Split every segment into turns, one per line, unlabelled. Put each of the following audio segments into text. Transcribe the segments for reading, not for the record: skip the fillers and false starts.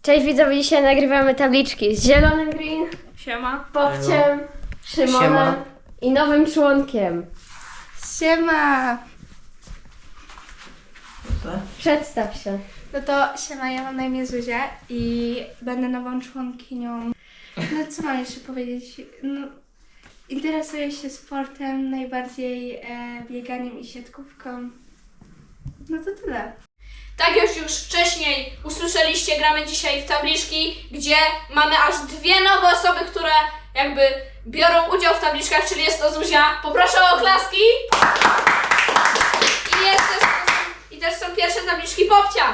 Cześć widzowie, dzisiaj nagrywamy tabliczki z Zielonym Green,
Siema.
Bobciem, Szymonem
Siema.
i nowym członkiem.
Siema.
Przedstaw się.
No to siema, ja mam na imię Zuzia i będę nową członkinią. No co mam jeszcze powiedzieć? No, interesuję się sportem, najbardziej bieganiem i siatkówką. No to tyle.
Tak jak już wcześniej usłyszeliście, gramy dzisiaj w tabliczki, gdzie mamy aż dwie nowe osoby, które jakby biorą udział w tabliczkach, czyli jest to Zuzia. Poproszę o oklaski. I też są pierwsze tabliczki Bobcia.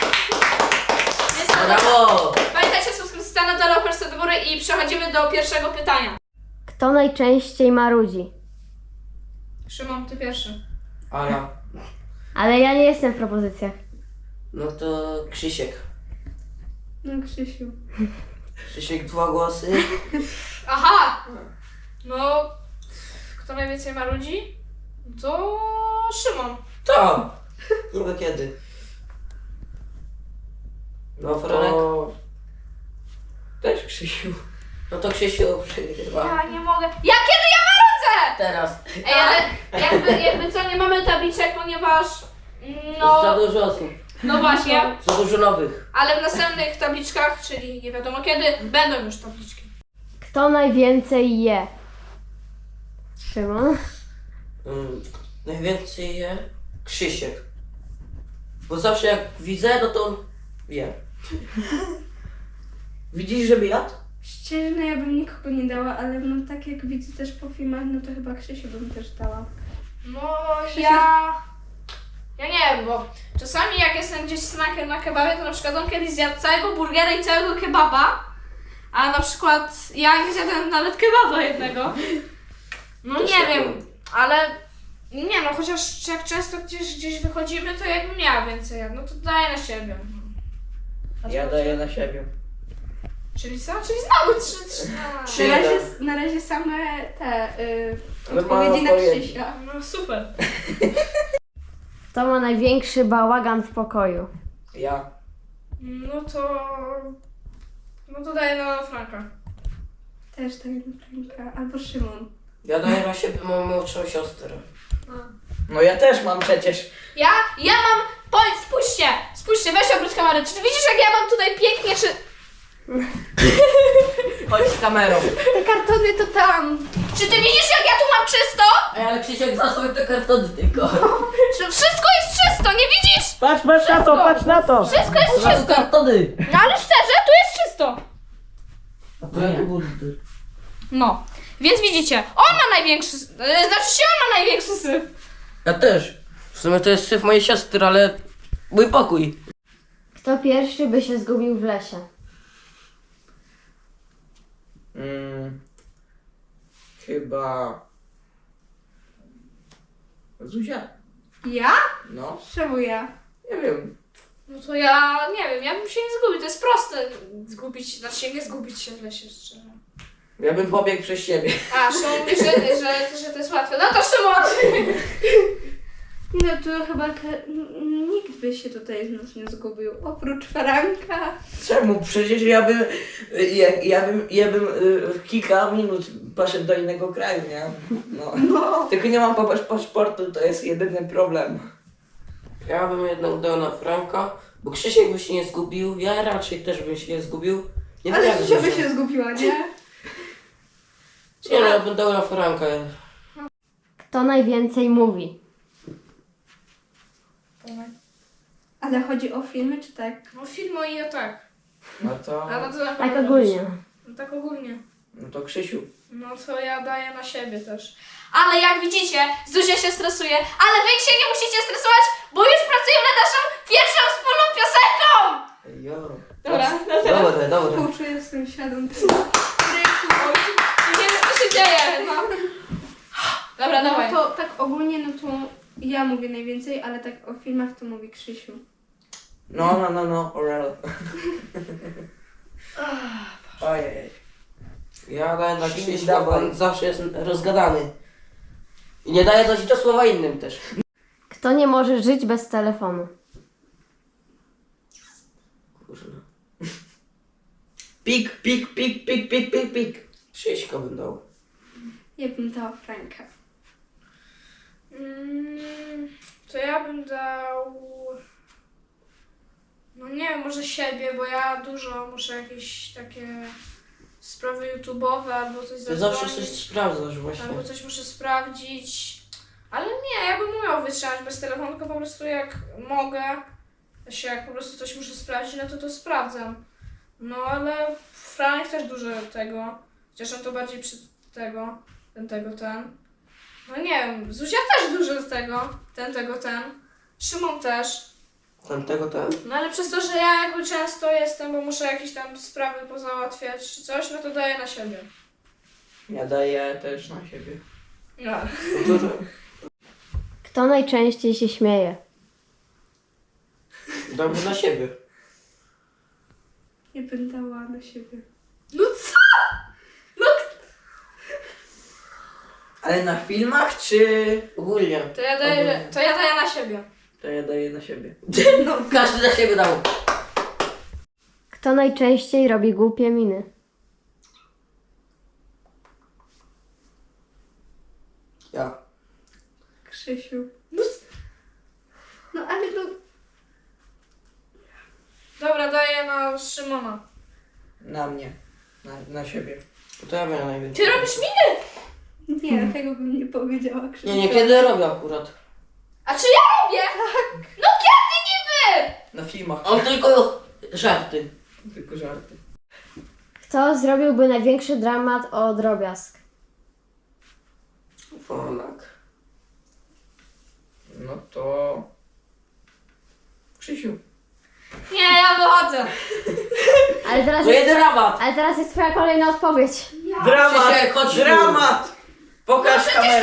Brawo!
Pamiętajcie, subskrypcji na dole, łapeczkę do góry i przechodzimy do pierwszego pytania.
Kto najczęściej marudzi?
Szymon, ty pierwszy.
Ala.
Ale ja nie jestem w propozycjach.
No to Krzysiek.
No Krzysiu.
Krzysiek 2 głosy.
Aha! No, kto najwięcej marudzi? To Szymon.
To! Niby kiedy? No Franek? Też Krzysiu. No to Krzysiu przegrywa.
Ja nie mogę. Ja kiedy ja marudzę?
Teraz.
Ej, ale jakby co, nie mamy tabliczek, ponieważ
Za
no
dużo osób.
właśnie,
Za dużo nowych.
ale w następnych tabliczkach, czyli nie wiadomo kiedy, będą już tabliczki.
Kto najwięcej je? Szymon?
Najwięcej je Krzysiek. Bo zawsze jak widzę, no to on wie. Widzisz, żeby jadł?
Szczerze, no ja bym nikogo nie dała, ale no tak jak widzę też po filmach, no to chyba Krzysiu bym też dała.
No ja nie wiem, bo czasami jak jestem gdzieś snakiem na kebabie, to na przykład on kiedyś zjadł całego burgera i całego kebaba, a na przykład ja nie zjadłem nawet kebaba jednego. No
To
nie
super.
wiem, ale nie no, chociaż jak często gdzieś wychodzimy, to jakbym miała więcej, no to daję na siebie. A ty
Ja
Bobciu?
daję na siebie.
Czyli co? Czyli znowu trzy.
Trzy.
Na razie same te
Ale
odpowiedzi na
mała odpowiedź.
Krzysia.
No super.
Kto ma największy bałagan w pokoju?
Ja.
No to daję na Franka.
Też tak na Franka. Albo Szymon.
Ja daję na siebie moją młodszą siostrę.
No ja też mam przecież.
Ja mam, spójrzcie, weź obróć kamerę. Czy ty widzisz, jak ja mam tutaj pięknie, czy...
Chodź z kamerą.
Te kartony to tam.
Czy ty widzisz, jak ja tu mam czysto?
Ej, ale Krzysiek zasłoń te kartony tylko.
Czy wszystko jest czysto, nie widzisz?
Patrz na to, patrz na to.
Wszystko jest
Zasłoń
czysto.
kartony.
No ale szczerze, tu jest czysto. No, więc widzicie, on ma największy, znaczy się on ma największy syf.
Ja też. W sumie to jest syf mojej siostry, ale mój pokój.
Kto pierwszy by się zgubił w lesie?
Chyba... Zuzia?
Ja?
No,
Czemu ja?
nie wiem.
No to ja nie wiem, ja bym się nie zgubił, to jest proste zgubić, znaczy się nie zgubić się w lesie, szczerze.
Ja bym pobiegł przez siebie.
A, Szymon mówi, że to jest łatwe. No to Szymon!
No to chyba nikt by się tutaj z nas nie zgubił, oprócz Franka.
Czemu? Przecież ja bym kilka minut poszedł do innego kraju, nie? No. Tylko nie mam paszportu, to jest jedyny problem.
Ja bym jednak dał na Franka, bo Krzysiek by się nie zgubił, ja raczej też bym się nie zgubił. Nie wiem
Ale
jak
Zuzia by
Zuzia.
się zgubiła, nie?
Nie no, ja bym dał na Franka.
Kto najwięcej mówi?
Ale chodzi o filmy, czy tak?
No film i o tak.
No to...
A no to na
Tak
pewno
ogólnie.
No tak ogólnie.
No to Krzysiu.
No to ja daję na siebie też. Ale jak widzicie, Zuzia się stresuje, ale wy się nie musicie stresować, bo już pracujemy nad naszą pierwszą wspólną piosenką!
Jo.
Dobra, no teraz
Dobra.
Współczuję z tym świadom.
nie wiem, co się dzieje. No. Dobra, dawaj.
No to tak ogólnie, no to ja mówię najwięcej, ale tak o filmach to mówi Krzysiu.
No, alright. Ojej.
Ja daję na
Krzysiek,
Krzyśka, bo
dawaj.
on zawsze jest rozgadany. I nie daje dać do słowa innym też.
Kto nie może żyć bez telefonu?
Kurwa.
Pik, pik, pik, pik, pik, pik, pik.
Krzyśka bym dał.
Ja bym dała Franka.
To ja bym dał... No nie wiem, może siebie, bo ja dużo muszę jakieś takie sprawy YouTube'owe albo coś
Ty zawsze coś
zadzwonić,
sprawdzasz właśnie.
albo coś muszę sprawdzić. Ale nie, ja bym umiał wytrzymać bez telefonu, tylko po prostu jak mogę, jak po prostu coś muszę sprawdzić, no to sprawdzam. No ale Franek też dużo tego, chociaż on to bardziej przy tego, ten. No nie wiem, Zuzia też dużo z tego, ten. Szymon też.
Ten.
No ale przez to, że ja jakby często jestem, bo muszę jakieś tam sprawy pozałatwiać czy coś, no to daję na siebie.
Ja daję też na siebie.
No.
Kto najczęściej się śmieje?
Dałbym na siebie.
Ja bym dała na siebie.
No co?
Ale na filmach czy...
Ogólnie.
To ja daję na siebie.
To ja daję na siebie.
No, każdy na siebie dał.
Kto najczęściej robi głupie miny?
Ja.
Krzysiu. No ale no...
Dobra, daję na Szymona.
Na mnie. Na siebie.
To ja miałem najwięcej.
Ty robisz miny?
Nie, tego bym nie powiedziała Krzysiu.
Nie, kiedy robię akurat.
A czy ja robię? No kiedy niby?
Na filmach.
On tylko żarty.
Tylko żarty.
Kto zrobiłby największy dramat o drobiazg?
Franek.
No to... Krzysiu.
Nie, ja wychodzę.
To jeden rabat.
Ale teraz jest twoja kolejna odpowiedź.
Dramat!
Krzysiek, chodź tu.
Dramat! Pokaż kamerę.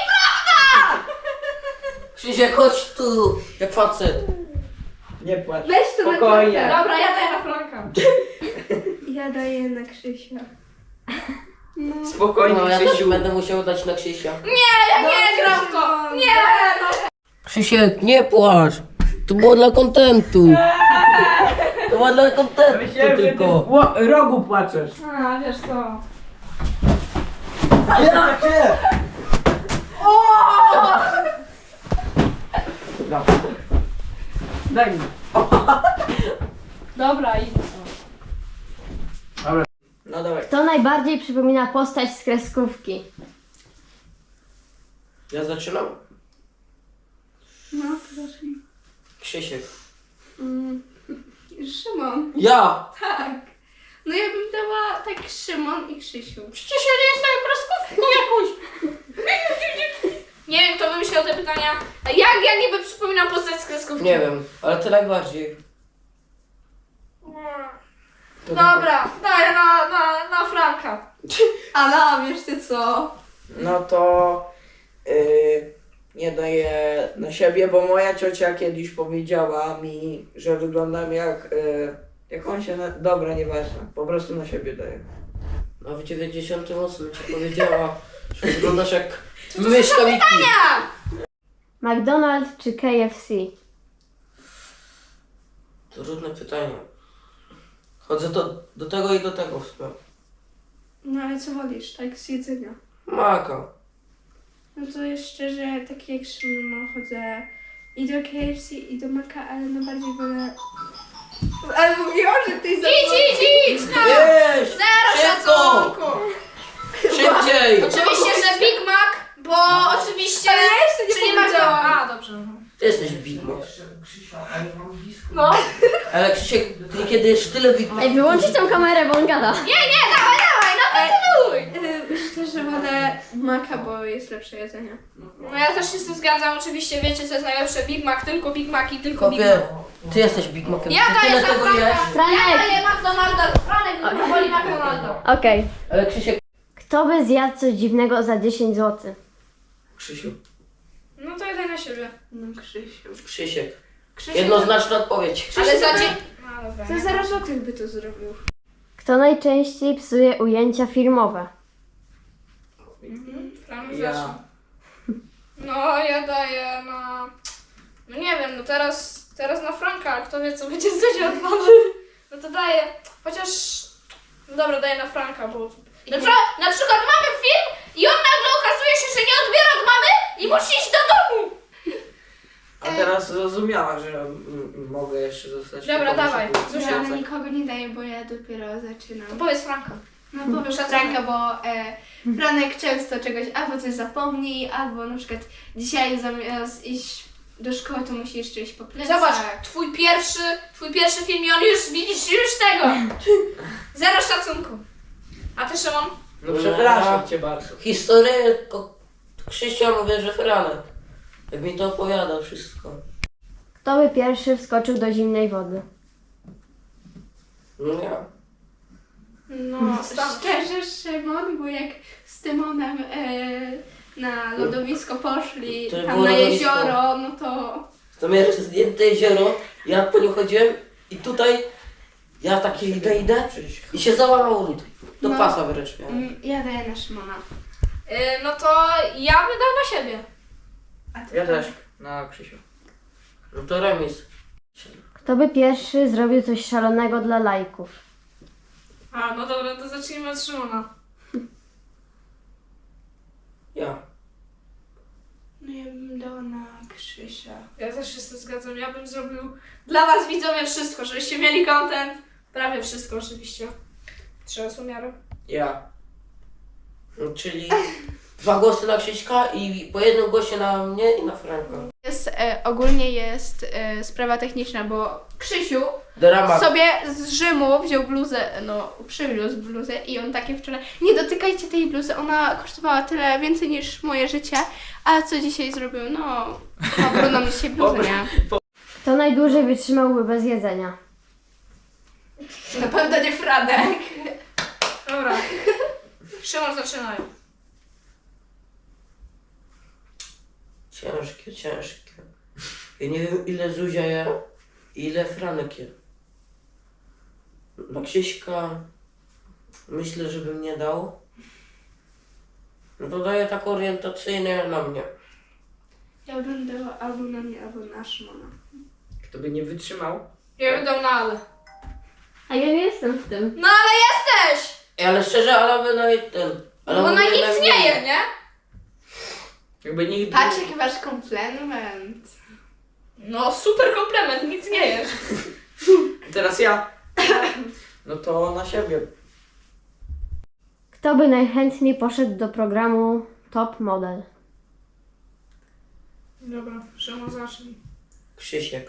Krzysiek, chodź tu. Jak facet.
Nie płacz.
Weź to na
Spokojnie.
klatę.
Dobra, ja daję na Franka.
Ja daję na Krzysia. No.
Spokojnie,
No, ja też
Krzysiu.
będę musiał dać na Krzysia.
Ja nie gram w to. Nie, no.
Krzysiek, nie płacz. To było dla kontentu. To było dla kontentu
Myślałem, że ty
tylko.
w rogu płaczesz.
A, wiesz co.
Ja cię! Daj mi.
Dobra, idź.
No dawaj.
Kto najbardziej przypomina postać z kreskówki?
Ja zaczynam.
No, proszę.
Krzysiek.
Szymon.
Ja!
Tak. No ja bym dała tak Szymon i Krzysiu.
Przecież ja nie jestem kreskówką jakąś. Nie wiem, kto wymyślał te pytania. A jak ja niby przypominam postać z kreskówki?
Nie wiem, ale ty najbardziej.
Dobra, daję na Franka.
A no, wiesz ty co?
No to... nie daję na siebie, bo moja ciocia kiedyś powiedziała mi, że wyglądam jak... jak on się... Dobra, nieważne. Po prostu na siebie daję.
A w 98 ci powiedziała, że wyglądasz jak myszka Miki.
McDonald's czy KFC?
To trudne pytanie. Chodzę do tego i do tego w sprawie.
No ale co wolisz, tak z jedzenia?
Maka.
No to jest szczerze, tak jak Szymon, chodzę i do KFC i do Maka, ale najbardziej wolę... Ale mówiłam, że ty
Idź, no.
Jeź!
Zero
Szybko!
szacunku.
Szybciej!
Oczywiście, że Big Mac, bo oczywiście...
Ale ja jeszcze nie
Czyli
powiedziałam.
A, dobrze.
Ty jesteś Big Mac.
No.
Ale Krzysiek, ty kiedy jesz tyle Big Mac...
Ej, wyłączyć tą kamerę, bo on gada.
Nie, dawaj, no kontynuuj.
Szczerze wolę Maka, bo jest lepsze jedzenie.
No ja też się z tym zgadzam, oczywiście wiecie co jest najlepsze, Big Mac, tylko Big Mac i tylko Big
Kopie,
Mac.
ty jesteś Big Macem.
Ja
Ty
daję
tyle
za
tego
Franka.
jesz.
Franek!
Ja daję McDonalda, Franek woli McDonalda.
Okej.
Ale Krzysiek...
Kto by zjadł coś dziwnego za 10 zł?
Krzysiu.
No to ja daję na siebie.
No Krzysiu.
Krzysiek.
Krzysiu
Jednoznaczna odpowiedź.
Ale za
to-
dzień... No dobra.
to 0 złotych by to zrobił.
Kto najczęściej psuje ujęcia filmowe?
Franek
Ja.
zacznie. No ja daję na... No nie wiem, no teraz na Franka, ale kto wie co będzie z Zuzia odwalone. No to daję, chociaż... No dobra, daję na Franka, bo... Na przykład mamy film i on nagle okazuje się, że nie odbiera od mamy i musi iść do domu.
A teraz zrozumiała, że mogę jeszcze zostać.
Dobra,
tylko
dawaj.
muszę pójść.
Zuzia,
Ja na nikogo nie daję, bo ja dopiero zaczynam.
To powiedz Franka.
No powiem
Szacunek.
Franka, bo Franek często czegoś albo coś zapomni, albo na przykład dzisiaj zamiast iść do szkoły, to musi jeszcze iść po plecach.
Zobacz, twój pierwszy film i on już, widzisz, już tego. Zero szacunku. A ty, Szymon?
No przepraszam cię bardzo.
Historię to Krzysia mówię, że Franek. Jak mi to opowiada wszystko.
Kto by pierwszy wskoczył do zimnej wody?
No ja.
No, szczerze Szymon, bo jak z Tymonem na lodowisko poszli,
To
tam
było
na
lodowisko.
jezioro, no to...
To miałem jeszcze zdjęte jezioro, ja po nim chodziłem i tutaj ja takie idę i się załamało tutaj. Do
No.
pasa wręcz miałem.
Ja daję na Szymona.
No to ja bym dał na siebie.
A ty
Ja też. Na Krzysiu.
No to remis.
Kto by pierwszy zrobił coś szalonego dla lajków?
A, no dobra, to zacznijmy od Szymona.
Ja.
No ja bym dała na Krzysia.
Ja też się z tym zgadzam. Ja bym zrobił dla was widzowie wszystko, żebyście mieli content. Prawie wszystko oczywiście. Trzeba z umiarem.
Ja. No, czyli 2 głosy na Krzyśka i po jednym głosie na mnie i na Franka.
Ogólnie jest sprawa techniczna, bo Krzysiu
Dramat.
sobie z Rzymu wziął bluzę, no przywiózł bluzę i on takie wczoraj, nie dotykajcie tej bluzy, ona kosztowała tyle więcej niż moje życie, a co dzisiaj zrobił? No, ma brudną dzisiaj bluzę, nie?
Kto najdłużej wytrzymałby bez jedzenia?
Na pewno nie Franek.
Dobra. Szymon, zaczynaj.
Ciężkie. Ja nie wiem ile Zuzia je i ile Franek je. Na Krzyśka myślę, że bym nie dał. No to daję tak orientacyjnie na mnie.
Ja bym dała albo na mnie, albo na Szymona.
Kto by nie wytrzymał?
Ja bym dał na Ale.
A ja nie jestem w tym.
No ale jesteś!
Ej, ale szczerze, ale by nawet ten... Ale
Bo
by
na
jednak
nic nie je, nie?
Jakby nigdy...
Patrz jaki masz komplement.
No super komplement, nic nie jesz.
Teraz ja. No to na siebie.
Kto by najchętniej poszedł do programu Top Model?
Dobra, Szymon, zacznij.
Krzysiek.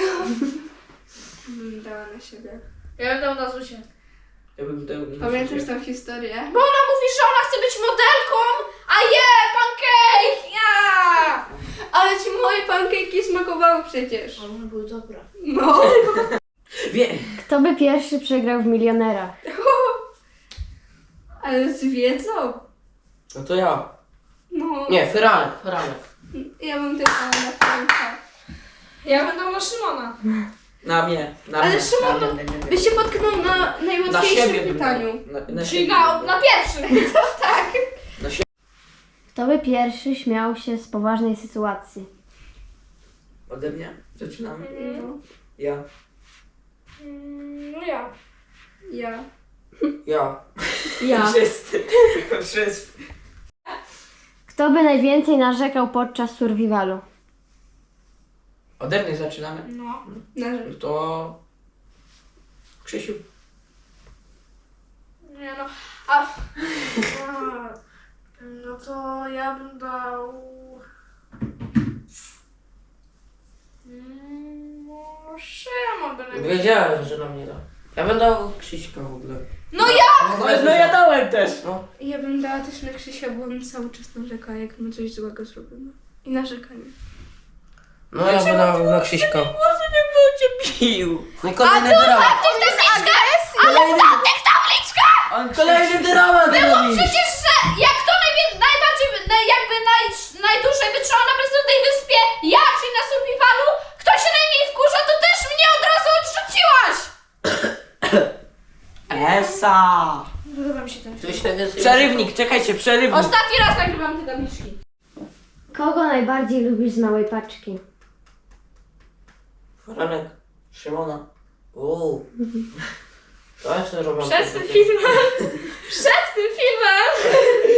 Bym dała na siebie.
Ja bym dał na Zuzię.
Ja bym dał na
Pamiętasz
siebie.
tą historię?
Bo ona mówi, że ona chce być modelką, a je, pancake, ja!
Ale ci moje pancake'i smakowały przecież.
One były dobre.
No.
Wie...
Kto by pierwszy przegrał w Milionerach?
Ale z wiedzą.
No to ja.
No.
Nie, Franek.
Ja bym też dała na Franka.
Ja bym dał na Szymona.
Na mnie. Na
Ale
mnie.
Szymon,
na mnie, nie, nie.
By się potknął na
Na
najłatwiejszym
siebie bym
pytaniu.
dał. Na
Czyli
siebie
na
bym dał.
pierwszym.
Tak.
Kto by pierwszy śmiał się z poważnej sytuacji?
Ode mnie? Zaczynamy?
No.
Ja.
No ja.
Ja.
Ja.
Ja.
Wszyscy. Wszyscy.
Kto by najwięcej narzekał podczas survivalu?
Ode mnie zaczynamy?
No.
Na
No to... Krzysiu.
Nie no. No to ja bym dał... Szymon by najpierw.
Wiedziałem, że na mnie da. Ja będę dał Krzyśka w ogóle.
No ja!
No ja dałem też.
No.
Ja bym dała też na Krzysia, bo on cały czas narzeka, jak my coś złego zrobimy. I narzekanie.
No ja będę dał na Krzyśka.
Może nie był cię bił.
No i kolejny dramat. Kolejny dramat robisz.
Przecież, że jak to najbardziej, jakby najdłużej wytrzymał na bezludnej wyspie, ja, czyli na survivalu, kto się najmniej wkurza, to też mnie od razu odrzuciłaś!
Esa.
Podoba mi się ten
Ktoś najwięcej...
Przerywnik, czekajcie, przerywnik.
Ostatni raz nagrywam te tabliczki.
Kogo najbardziej lubisz z małej paczki?
Franek. Szymona. Uuu. To ja sobie robię.
Przed tym filmem. Przed tym filmem.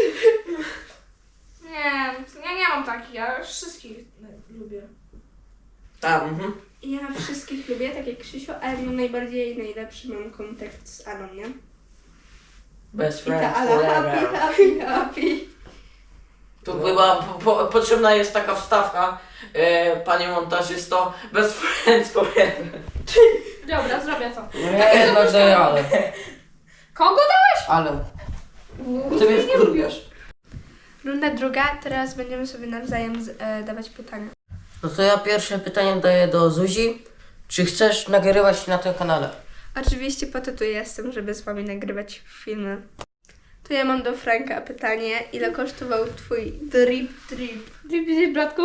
Nie, ja nie mam takich, ja wszystkich lubię.
Tak,
Ja wszystkich lubię, tak jak Krzysiu, ale no najlepszy mam kontakt z Alą, nie?
Best
I ta
friends
Ala
forever.
happy.
Tu chyba potrzebna jest taka wstawka, panie montażysto, best friends forever.
Dobra, zrobię to.
Nie, jednak daję ale.
Kogo dałeś?
Ale. Ty mnie wkurwiasz.
Runda druga, teraz będziemy sobie nawzajem dawać pytania.
No to ja pierwsze pytanie daję do Zuzi. Czy chcesz nagrywać na tym kanale?
Oczywiście po to tu jestem, żeby z wami nagrywać filmy. To ja mam do Franka pytanie. Ile kosztował twój drip?
Drip, bratku?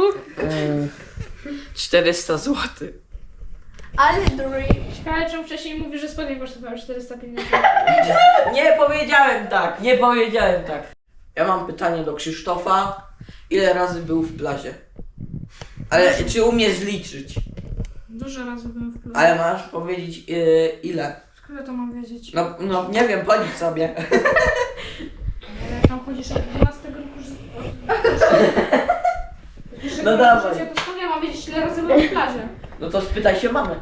400 zł.
Ale drip.
Ciekawe, czemu wcześniej mówisz, że spodnie kosztowały 450.
Nie powiedziałem tak, nie powiedziałem tak. Ja mam pytanie do Krzysztofa. Ile razy był w plazie? Ale czy umiesz liczyć?
Dużo razy byłem w klubie.
Ale masz powiedzieć ile?
Skąd ja to mam wiedzieć?
No nie wiem, policz sobie.
Ale jak tam chodzisz od 12 roku życia.
No dawaj.
To skąd ja mam wiedzieć, ile razy byłem w plaży?
No to spytaj się mamy.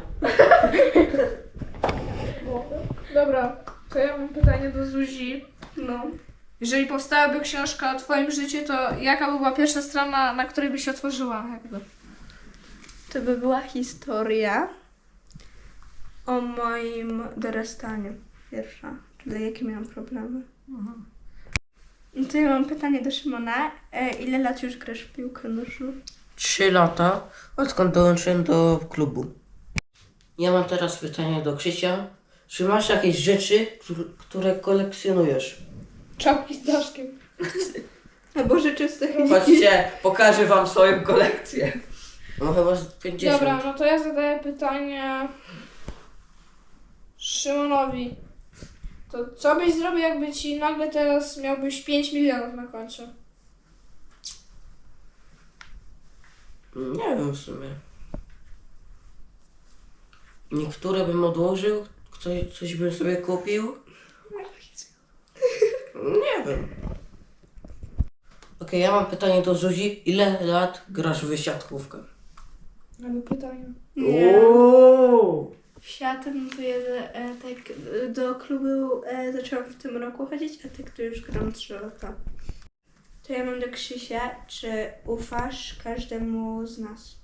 Dobra, to ja mam pytanie do Zuzi.
No.
Jeżeli powstałaby książka o twoim życiu, to jaka by była pierwsza strona, na której by się otworzyła? Jakby?
To by była historia o moim dorastaniu. Pierwsza. Czyli jakie miałam problemy. No to ja mam pytanie do Szymona. Ile lat już grasz w piłkę nożną?
3 lata, odkąd dołączyłem do klubu. Ja mam teraz pytanie do Krzysia. Czy masz jakieś rzeczy, które kolekcjonujesz?
Czapki z daszkiem.
Albo rzeczy z techniki.
Chodźcie, pokażę wam swoją kolekcję. No chyba z 50.
Dobra, no to ja zadaję pytanie Szymonowi. To co byś zrobił, jakby ci nagle teraz miałbyś 5 milionów na koncie?
Nie wiem w sumie. Niektóre bym odłożył, coś bym sobie kupił. Nie wiem. Okej, ja mam pytanie do Zuzi. Ile lat grasz w siatkówkę?
Ale pytanie.
Nie.
Uuu.
W siatę, no to ja tak do klubu zaczęłam w tym roku chodzić, a tak to już gram 3 lata. To ja mam do Krzysia, czy ufasz każdemu z nas?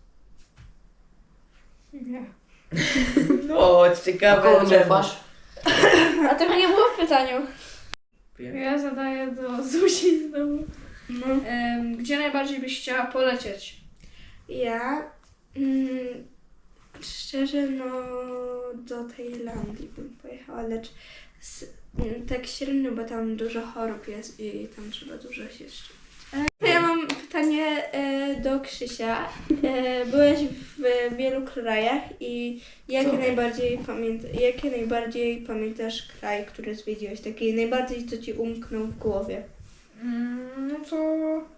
Nie.
No, ciekawe.
Komu nie masz?
A tego nie było w pytaniu.
Wiem.
Ja zadaję do Zuzi znowu.
No.
Gdzie najbardziej byś chciała polecieć?
Ja szczerze no do Tajlandii bym pojechała, lecz tak średnio, bo tam dużo chorób jest i tam trzeba dużo się szczepić. To ja mam pytanie do Krzysia. Byłeś w wielu krajach i
Co?
jaki najbardziej pamiętasz kraj, który zwiedziłeś? Taki najbardziej, co ci umknął w głowie?
No to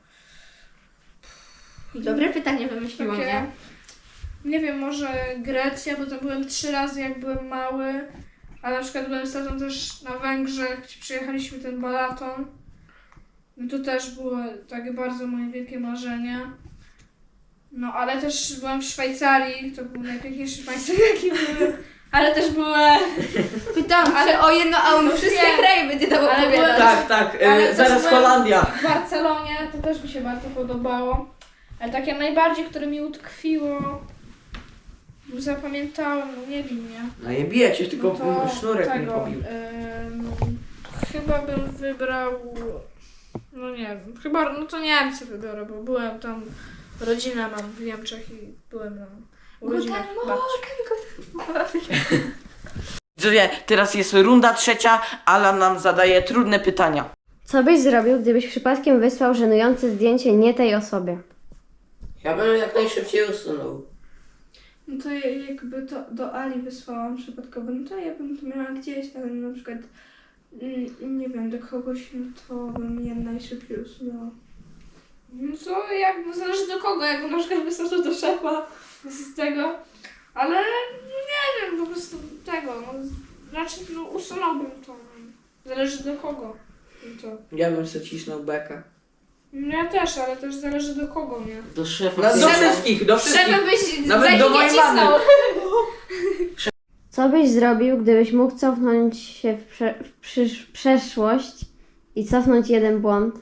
Dobre pytanie wymyśliłam,
takie,
nie?
nie wiem, może Grecja, bo tam byłem 3 razy jak byłem mały, a na przykład byłem z tatą też na Węgrzech, gdzie przyjechaliśmy ten Balaton. No to też było takie bardzo moje wielkie marzenie. No ale też byłam w Szwajcarii, to był najpiękniejszy państwo jaki były. Ale też były...
Pytałam, ale o jedno, a on wszystkie
Nie.
kraje będzie dawał
Ale
opowiadać.
Tak, tak,
Ale też
zaraz
byłem
Holandia.
W Barcelonie to też mi się bardzo podobało. Ale takie najbardziej, które mi utkwiło, zapamiętałem, no nie wiem, nie.
No nie bijecie, tylko
No to
sznurek mnie
tego,
pobił.
chyba bym wybrał, no nie wiem, chyba, no to Niemcy wybiorę, bo byłem tam, rodzinę mam w Niemczech i byłem na urodzinach babci.
Widzowie, teraz jest runda trzecia. Alan nam zadaje trudne pytania.
Co byś zrobił, gdybyś przypadkiem wysłał żenujące zdjęcie nie tej osobie?
Ja bym jak najszybciej usunął.
No to jakby to do Ali wysłałam przypadkowo, no to ja bym to miała gdzieś, ale na przykład nie wiem, do kogoś, no to bym je najszybciej usunęła.
No to jakby zależy do kogo, jakby na przykład wysłał to do szefa z tego, ale nie wiem, po prostu tego, no, Znaczy, no usunąłbym to. Zależy do kogo. To.
Ja bym sobie cisnął bekę.
No ja też, ale też zależy do kogo, nie?
Do szefa.
No, do wszystkich, do wszystkich.
Żebym byś
Nawet
beki
do
nie
mojej
cisnął.
mamy.
Co byś zrobił, gdybyś mógł cofnąć się w przeszłość i cofnąć jeden błąd?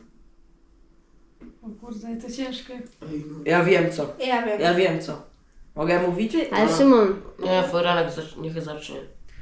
O kurde, to ciężkie.
Ja wiem co.
Ja wiem.
Ja wiem co. Mogę mówić?
Ale Szymon,
Nie, Foranek niech zacznie.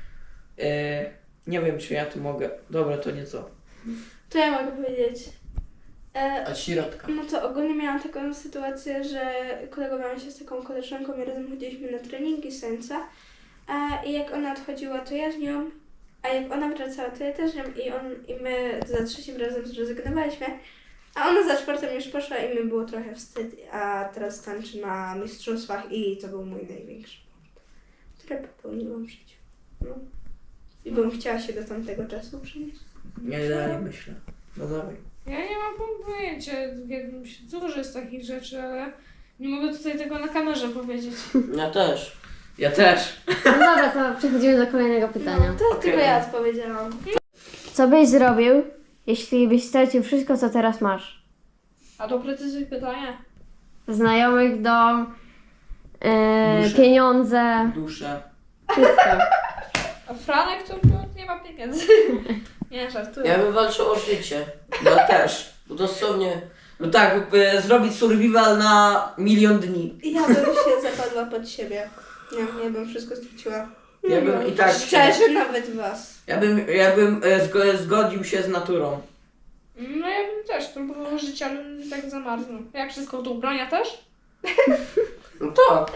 Nie wiem czy ja tu mogę. Dobra, to nie co.
To ja mogę powiedzieć.
Od środka.
No to ogólnie miałam taką sytuację, że kolegowałam się z taką koleżanką i razem chodziliśmy na treningi z tańca. I jak ona odchodziła, to ja z nią, a jak ona wracała, to ja też z nią i my za trzecim razem zrezygnowaliśmy. A ona za czwartym już poszła i mi było trochę wstyd, a teraz tańczy na mistrzostwach i to był mój największy błąd, który popełniłam w życiu. No. I bym chciała się do tamtego czasu przenieść.
Nie dalej myślę. No dawaj.
Ja nie mam pojęcia, dużo jest takich rzeczy, ale nie mogę tutaj tego na kamerze powiedzieć.
Ja też.
Ja też.
no dobra, to przechodzimy do kolejnego pytania.
To tylko ja odpowiedziałam.
Co byś zrobił, jeśli byś stracił wszystko, co teraz masz?
A doprecyzuj pytanie.
Znajomych, dom,
Duszę.
pieniądze,
Duszę.
wszystko.
A Franek to nie ma pieniędzy. Nie, żartuję.
Ja bym walczył o życie.
Ja też.
Bo dosłownie.
No tak, zrobić survival na 1 000 000 dni.
Ja bym się zapadła pod siebie. Nie, ja bym wszystko straciła.
Ja bym i tak.
Szczerze, nawet was.
Ja bym zgodził się z naturą.
No ja bym też próbował żyć, ale tak zamarznął. Jak wszystko tu ubrania też?
No tak.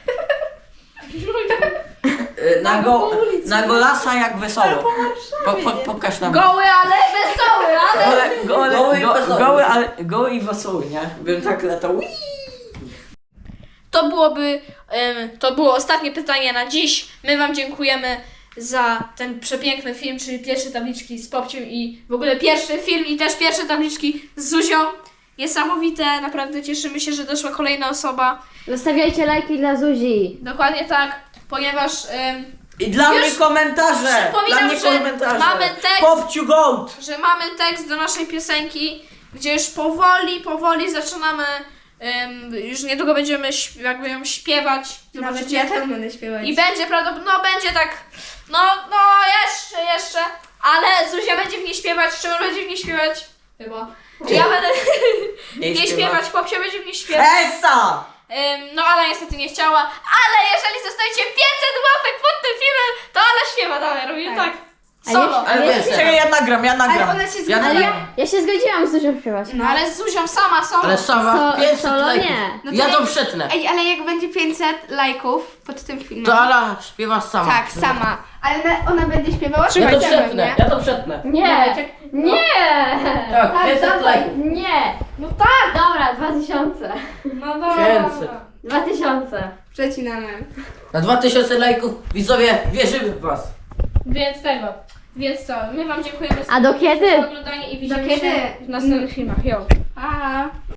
Na golasa jak wesoło. Pokaż nam.
Goły, ale wesoły, ale...
Goły i wesoły, nie? Bym tak latał.
To było ostatnie pytanie na dziś. My wam dziękujemy za ten przepiękny film, czyli pierwsze tabliczki z Popciem i w ogóle pierwszy film i też pierwsze tabliczki z Zuzią. Niesamowite, naprawdę cieszymy się, że doszła kolejna osoba.
Zostawiajcie lajki dla Zuzi.
Dokładnie tak, ponieważ
I dla
Już
mnie komentarze!
przypominam,
Dla mnie
że
komentarze!
mamy tekst.
Popciu Goat!
mamy tekst do naszej piosenki, gdzie już powoli zaczynamy, już niedługo będziemy jakby ją śpiewać.
Nawet
Zobaczycie.
ja tak będę śpiewać.
I będzie prawdopodobnie, będzie tak, jeszcze, ale Zuzia będzie w niej śpiewać, Szymon będzie w niej śpiewać, chyba. Ja będę w niej śpiewać, Popsia będzie w niej śpiewać.
Esa!
No Ala niestety nie chciała, ale jeżeli zostawicie 500 łapek pod tym filmem, to Ala śpiewa dalej, robimy tak. Solo.
Ale wiesz,
Czekaj, ja nagram.
Ale ona się zgadza.
Ale ja się zgodziłam z Zuzią śpiewać.
No ale z Zuzią sama solo.
ale sama 500
solo
lajków.
nie.
No to
Ja to
jak-
przetnę.
Ej, ale jak będzie 500 lajków pod tym filmem.
To Ala śpiewa sama.
Tak, sama. Ale ona będzie śpiewała
Ja to
ze mną,
przetnę,
nie?
ja to przetnę.
Nie! Nie!
Tak, 500 lajków.
Nie! No tak! Dobra, 2000.
No dobra.
500.
2000.
Przecinamy.
Na 2000 lajków widzowie wierzymy w was.
Więc co, my wam dziękujemy
A do kiedy?
za oglądanie i widzimy
kiedy?
się w następnych filmach. Jo.
Pa!